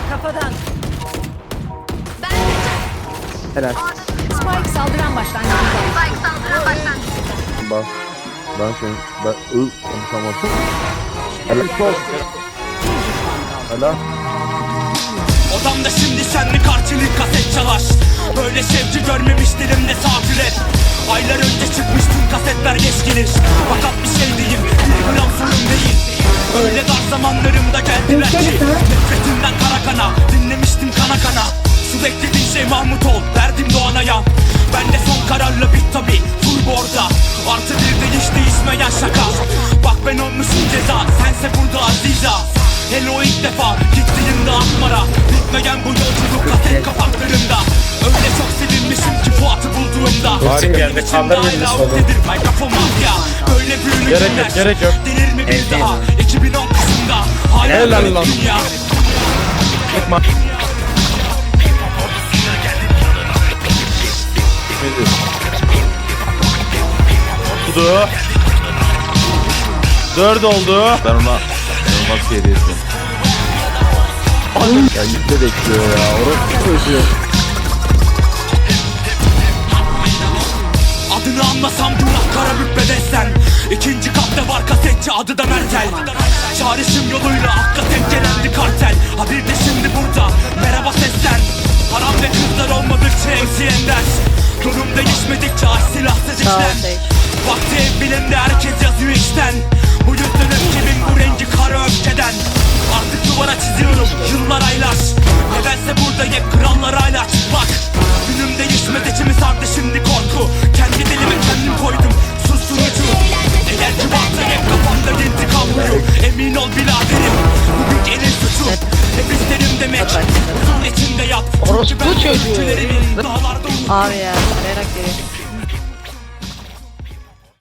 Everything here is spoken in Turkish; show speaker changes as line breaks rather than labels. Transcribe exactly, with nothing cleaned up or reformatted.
Kafadan.
Helal.
Spike saldıran başlangıcında.
Spike saldıran başlangıç.
Bak. Ben seni... Ben... Iı... Tamam. Helal. Helal.
Odamda şimdi senli karşılık kaset çalar. Böyle sevgi görmemiş dilimde safiret. Aylar önce çıkmış tüm kasetler geç gelir. Fakat bir şey diyeyim, bir gram sorun değil. Öyle dar zamanlarımda geldiler ki nefretimden kara kana, dinlemiştim kana kana. Şu beklediğin şey Mahmut ol, verdim Doğanay'a. Ben de son kararla bit tabi, turbo orada. Artı bir de hiç değişmeyen şaka. Bak ben olmuşum ceza, sense burada aziza. Hele o ilk defa gittiğimde Akmar'a. Bitmeyen bu yolculuk kaset kapaklarında. Öyle çok sevinmişim ki Fuat'ı bulduğumda.
Harika yerde kaldır birini sorun.
Mikrofon mafya. Böyle büyülü
Gerek yok,
günler.
gerek yok.
Denir mi bir
Evet,
daha iki bin on kısımda. Hala
Helal
böyle
lan.
dünya.
Çıkma. Oldu. Dört oldu.
Ben ona... Nasıl hediyesi? Ya yükle bekliyor ya. Orası çocuğu.
Adını anlasam günah kara bükmedeysen. İkinci katta var kasetçi, adı da Mertel. Çağrışım yoluyla akla tek gelendi kartel. Ha bir de şimdi burada merhaba seslen. Haram ve kızlar olmadıkça emsi ender. Durum değişmedikçe aç silahsız işler. Vakti ev bilimde herkes yazıyor içten. Bu yüzden öfkemin bu rengi kara öfkeden. Artık duvara çiziyorum yıllar aylar. Nedense burada hep krallar hala çıplak. Günüm değişmedi, içimi sardı şimdi korku. Kendi dilime kendim koydum susturucu. Eğer ki varsa hep kafamda intikamlıyor. Emin ol biraderim, bu büyük elin suçu. Hep isterim demek, huzur içinde yap.
Orospu çocuğu.
Dağlarda
Abi ya, arayarak geliyor.